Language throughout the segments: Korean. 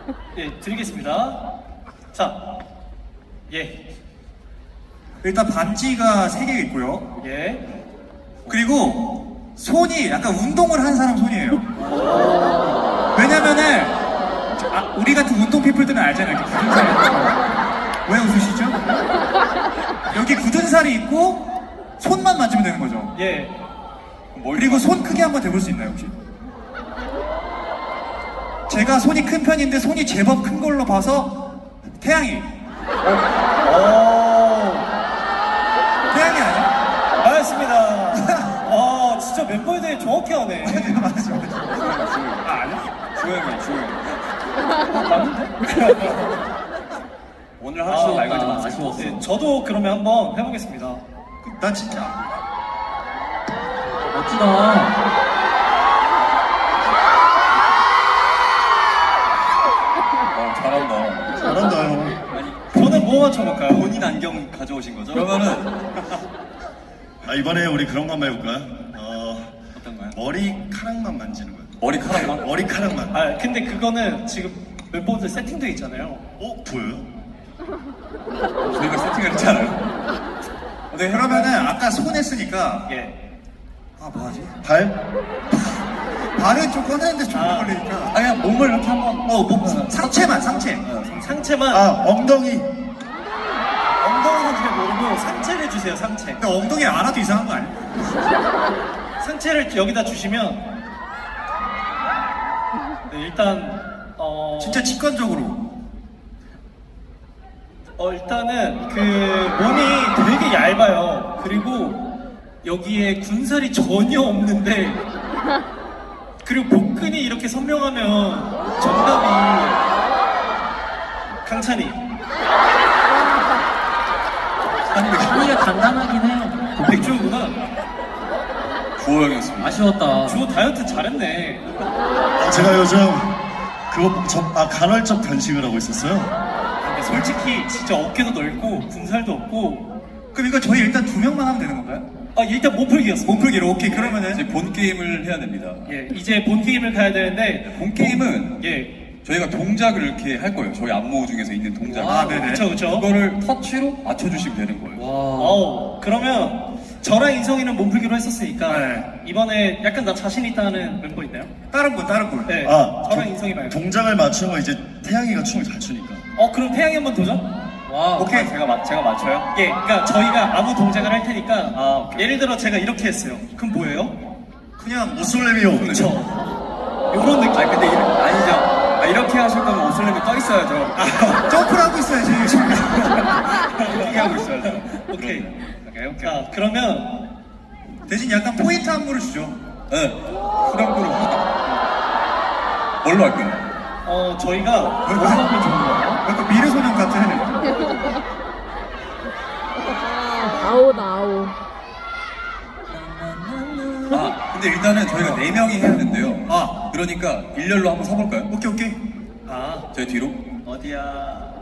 예, 드리겠습니다. 자, 예, 일단 반지가 3개 있고요. 예. 그리고 손이 약간 운동을 한 사람 손이에요. 왜냐면은 우리 같은 운동 피플들은 알잖아요. 이렇게 굳은 살이 있고. 왜 웃으시죠? 여기 굳은 살이 있고 손만 만지면 되는 거죠. 예. 그리고 손 크게 한번 대볼 수 있나요 혹시? 제가 손이 큰 편인데 손이 제법 큰 걸로 봐서 태양이. 태양이 아니야? 알겠습니다. 진짜 멤버에 대해 정확히 하네. 맞아. 아니야? 주호형이야, 주호형. 맞는데? 오늘 하루 말 걸지 마세요. 아쉬웠어. 네, 저도 그러면 한번 해보겠습니다. 난 진짜. 멋지다. 잘한다. 잘한다요. 저는 뭐 맞춰볼까요? 본인 안경 가져오신 거죠? 그러면은 이번에 우리 그런 거 한번 해볼까요? 어떤 거요? 머리카락만 만지는 거예요. 머리카락만? 머리카락만. 근데 그거는 지금 멤버들 세팅돼 있잖아요. 보여요? 저희가 세팅을 했잖아요. 네, 그러면은 아까 손 했으니까 예. 뭐하지? 발? 발은 좀 꺼내는데 좀 아. 걸리니까. 그냥 몸을 이렇게 한번 상체만 상체. 상체만 엉덩이. 엉덩이는 잘 모르고 상체를 주세요. 상체. 근데 엉덩이 알아도 이상한 거 아니야? 상체를 여기다 주시면 네, 일단 진짜 직관적으로. 일단은 그 몸이 되게 얇아요. 그리고 여기에 군살이 전혀 없는데 그리고 복근이 이렇게 선명하면 정답이 강찬이. 아니 근데 간단하긴 해요. 백주호구나. 주호형이었습니다. 아쉬웠다. 주호 다이어트 잘했네. 제가 요즘 간헐적 편식을 하고 있었어요. 근데 솔직히 진짜 어깨도 넓고 군살도 없고. 그럼 이거 저희 일단 2명만 하면 되는 건가요? 일단 몸풀기였어. 몸풀기로 오케이. 그러면은 이제 본 게임을 해야 됩니다. 예, 이제 본 게임을 가야 되는데 본 게임은 예, 저희가 동작을 이렇게 할 거예요. 저희 안무 중에서 있는 동작. 네네. 그쵸. 그거를 터치로 맞춰주시면 되는 거예요. 그러면 저랑 인성이는 몸풀기로 했었으니까 네. 이번에 약간 나 자신 있다는 멤버 있나요? 다른 분. 네, 아, 저랑 인성이 말고. 동작을 맞추는 거 이제 태양이가 춤을 잘 추니까. 그럼 태양이 한번 도전? 와. 오케이. 제가 맞춰요? 예, 그러니까 저희가 아무 동작을 할 테니까 예를 들어 제가 이렇게 했어요. 그럼 뭐예요? 그냥 오솔레미오. 그쵸. 요런 느낌. 근데 아니죠. 이렇게 하실 거면 옷을 떠 있어야죠. 점프를 하고 있어야지 지금. 이렇게 하고 있어야죠. 오케이. 자, 그러면 대신 약간 포인트 안무를 주죠. 네. 후렴구로 뭘로 할까요? 저희가 뭐 하면 좋은 거예요? 약간 미래소년 같은. 아오다 아오. 근데 일단은 저희가 4명이 해야 된대요. 그러니까 일렬로 한번 서볼까요? 오케이. 저희 뒤로. 어디야?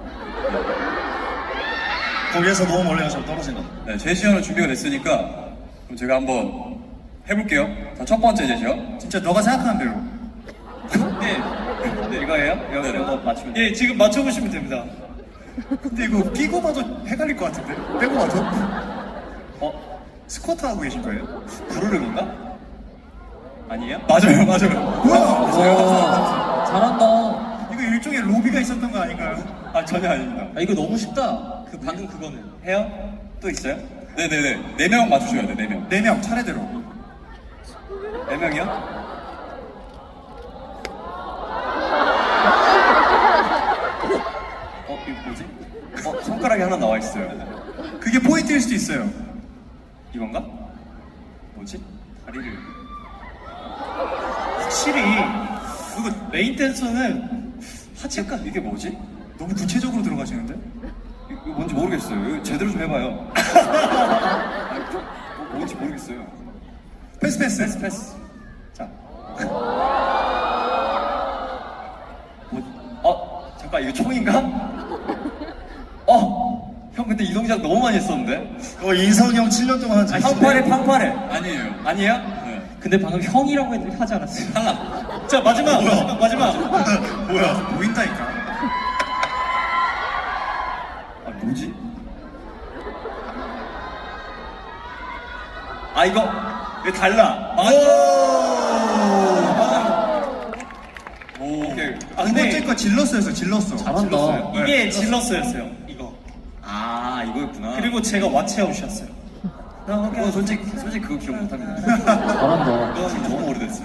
거기에서 너무 멀리 가서 떨어진다. 네, 제시어는 준비가 됐으니까 그럼 제가 한번 해볼게요. 자, 첫 번째 제시어. 진짜 너가 생각하는 대로. 네, 이거예요? 이거 맞추면 돼요. 예, 지금 맞춰보시면 됩니다. 근데 이거 끼고 봐도 헷갈릴 것 같은데? 빼고 봐도? 스쿼트 하고 계신 거예요? 부르릉인가? 아니에요? 맞아요. 와. 잘한다. 이거 일종의 로비가 있었던 거 아닌가요? 전혀 아닙니다. 이거 너무 쉽다. 방금 그거는. 해요? 또 있어요? 네네네. 4명 맞추셔야 돼, 4명. 4명 차례대로. 4명이요? 이거 뭐지? 손가락이 하나 나와 있어요. 그게 포인트일 수도 있어요. 이건가? 뭐지? 다리를. 확실히 그거 메인 댄서는 하체가 이게 뭐지? 너무 구체적으로 들어가시는데? 이거 뭔지 모르겠어요. 이거 제대로 좀 해봐요. 뭔지 모르겠어요. 패스. 자. 잠깐 이거 총인가? 형 근데 이 동작 너무 많이 했었는데? 인성이 형 7년 동안 한 적이 팡파레. 아니에요. 아니에요? 네. 근데 방금 형이라고 하지 않았어요? 자 마지막. 뭐야? 보인다니까. 아 이거 달라. 오, 오케이. 아 두 번째 근데 거 질러스였어, 질러스. 잘한다. 이게 질러스였어요. 이거. 아, 이거였구나. 그리고 제가 왓츠아웃이었어요. 솔직히 그거 기억 못합니다. 잘한다. 그건 너무 오래됐어요.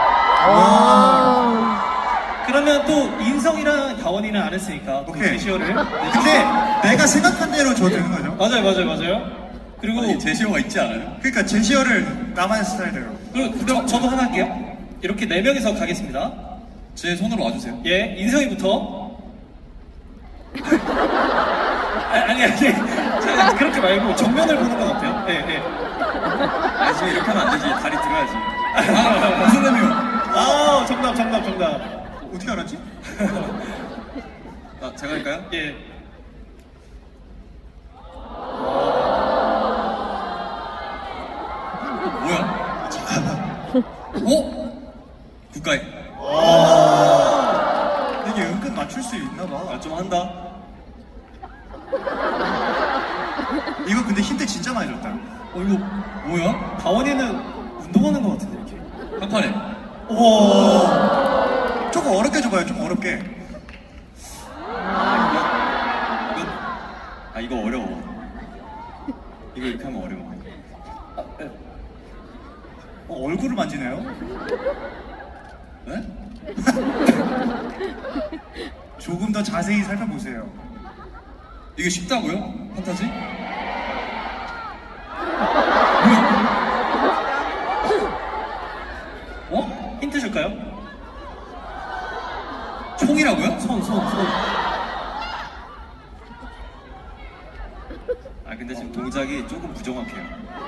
그러면 또 인성이랑 다원이는 안 했으니까 오케이. 제시어를. 근데 내가 생각한 대로 줘도 되는 거죠? 맞아요. 그리고 아니, 제시어가 있지 않아요? 그러니까 제시어를 나만의 스타일대로. 그럼 저도 하나 할게요. 이렇게 4명이서 가겠습니다. 제 손으로 와주세요. 예, 인성이부터. 아니. 제가 그렇게 말고 정면을 보는 건 어때요? 예. 아니, 지금 이렇게 하면 안 되지. 다리 들어야지. 아, 무슨 의미요? 아, 정답. 어떻게 알았지? 아, 제가 할까요? 예. 뭐야? 어? 국가에. 이게 은근 맞출 수 있나 봐. 아, 좀 한다. 이거 근데 힌트 진짜 많이 줬다. 이거 뭐야? 다원이는 운동하는 것 같은데, 이렇게. 한 판에. 우와. 조금 어렵게 줘봐요, 좀 어렵게. 이거 어려워. 이거 이렇게 하면 어려워. 얼굴을 만지네요? 네? 조금 더 자세히 살펴보세요. 이게 쉽다고요? 판타지? 어? 힌트 줄까요? 총이라고요? 손. 아, 근데 지금 동작이 조금 부정확해요.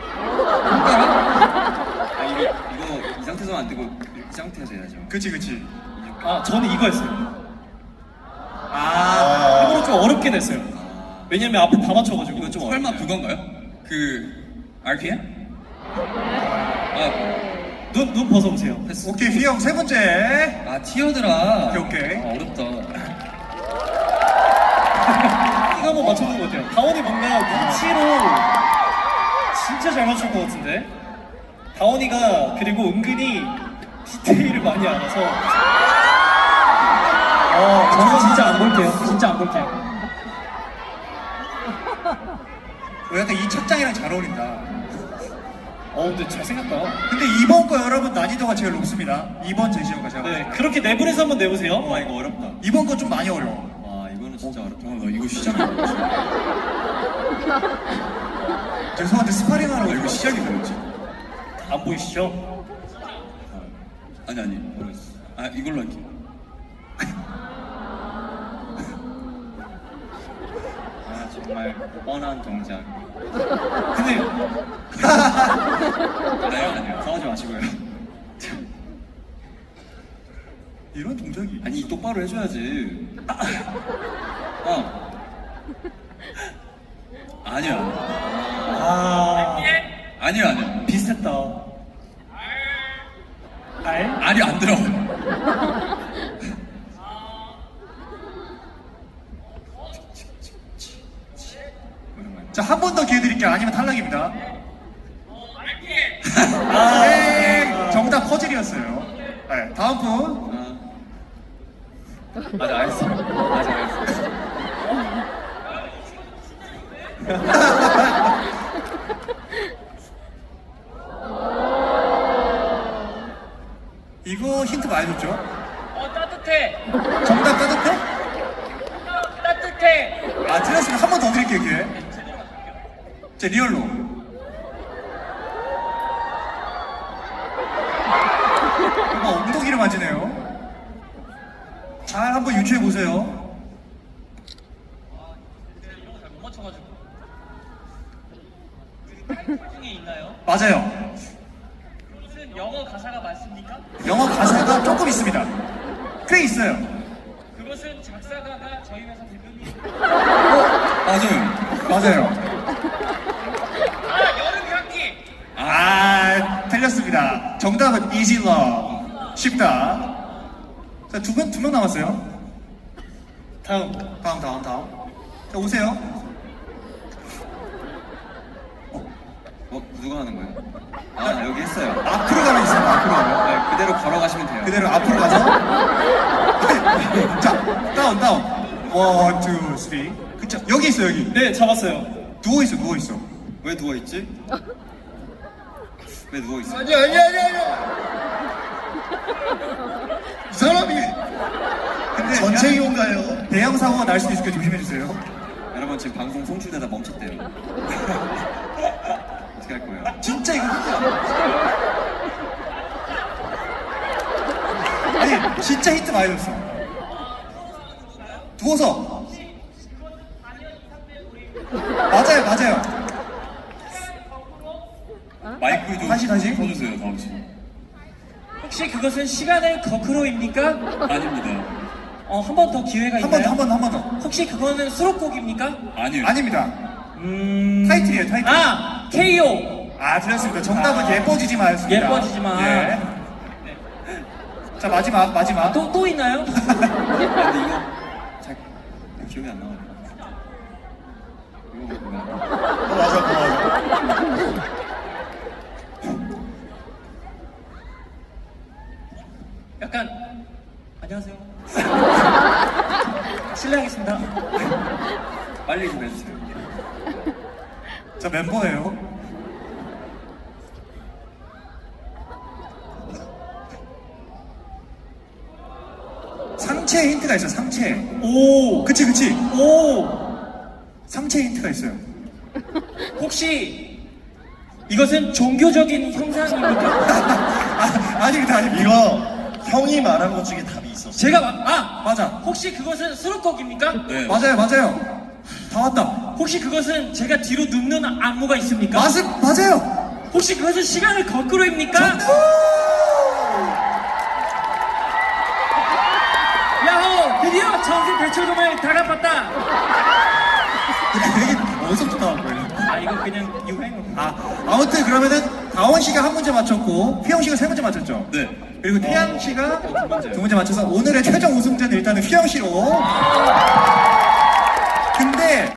이거 이 상태에서 안 되고 이 상태에서 해야죠. 그치. 아, 저는 이거였어요. 아, 일부러 좀 어렵게 냈어요. 왜냐면 앞에 다 맞춰가지고. 이거 좀 설마 그건가요? RPM? 눈 벗어보세요. 패스. 오케이, 휘영 세 번째. 티어드라. 오케이. 어렵다. 이거 한번 맞춰보는 거 어때요? 다원이 뭔가 눈치로 진짜 잘 맞출 것 같은데? 다원이가 그리고 은근히 디테일을 많이 알아서 저는 진짜 안 볼게요. 약간 이 착장이랑 잘 어울린다. 근데 잘생겼다. 근데 이번 거 여러분 난이도가 제일 높습니다. 이번 제시어가 제가. 네, 그렇게 내부에서 한번 내보세요. 와, 이거 어렵다. 이번 거 좀 많이 어려워. 와, 이거는 진짜 어렵다. 나 이거 시작이 어렵지. 죄송한데 스파링 하러 이거 시작이 어렵지. 안 보이시죠? 아니, 모르겠어. 아, 이걸로 할게. 아, 정말 뻔한 동작. 근데 아니요. 싸우지 마시고요. 이런 동작이. 아니, 똑바로 해줘야지. 아니야. 아니야. 비슷했다. 알이 안 들어. 자, 한 번 더 기회 드릴게요. 아니면 탈락입니다. 정답 퍼즐이었어요. 네, 다음 분. 맞아, 알았어. 이거 힌트 많이 줬죠? 따뜻해. 정답 따뜻해? 따뜻해. 아, 틀렸으면 한 번 더 드릴게요, 기회. 제 리얼로. 이거 엉덩이를 만지네요. 잘 한번 유추해 보세요. 이런 거 잘 못 맞춰가지고. 타이틀 중에 있나요? 맞아요. 그것은 영어 가사가 맞습니까? 영어 가사가 조금 있습니다. 꽤 있어요. 그것은 작사가가 저희 회사 대표님. 맞아요. 맞아요. 여름 향기. 아, 틀렸습니다. 정답은 Easy Love. 쉽다. 자, 두 명 남았어요. 다음. 다음. 자, 오세요. 누가 하는 거예요? 아, 여기 했어요. 앞으로 가면 있어요. 앞으로 가면. 네, 그대로 걸어가시면 돼요. 그대로 앞으로 가서. 자, 다운. 원, 투, 쓰리. 그쵸? 여기 있어, 여기. 네, 잡았어요. 누워있어. 왜 누워있지? 왜 누워있어? 아니야. 이 사람이 근데 전체 이용가요. 대형 사고가 날 수도 있으니까 조심해주세요. 여러분 지금 방송 송출되다 멈췄대요. 어떻게 할 거예요? 진짜 이거 힌트야. 아니, 진짜 힌트 많이 줬어. 누워서. 맞아요. 마이크 좀 다시. 써주세요, 다음 씨. 혹시 그것은 시간의 거크로입니까? 아닙니다. 한 번 더 기회가 한 번 있나요? 더. 혹시 그거는 수록곡입니까? 아니요. 아닙니다. 타이틀이에요, 타이틀. 아, KO. 아, 틀렸습니다. 정답은 예뻐지지 마였습니다. 예뻐지지 마. 예. 자, 마지막. 또 있나요? 근데 이거 잘 기억이 안 나와요. 이거 뭐야? 맞아. 약간 안녕하세요. 실례하겠습니다. 빨리 좀 해주세요. 자, 멤버예요. 상체에 힌트가 있어요, 상체. 오, 그치. 오. 상체에 힌트가 있어요. 혹시 이것은 종교적인 형상입니까? 아닙니다. 이거 형이 말한 것 중에 답이 있었어. 제가 맞아. 혹시 그것은 수록곡입니까? 네. 맞아요. 다 왔다. 혹시 그것은 제가 뒤로 눕는 안무가 있습니까? 맞아요. 혹시 그것은 시간을 거꾸로입니까? 야호! 드디어 전세 대출금을 다 갚았다! 되게 어디서부터 나온 거예요? 아 이거 그냥 유행어. 아무튼 그러면은 다원 씨가 한 문제 맞췄고 휘영 씨가 세 문제 맞췄죠? 네. 그리고 태양 씨가 문제요. 두 문제 맞춰서 오늘의 최종 우승자는 일단은 휘영 씨로. 근데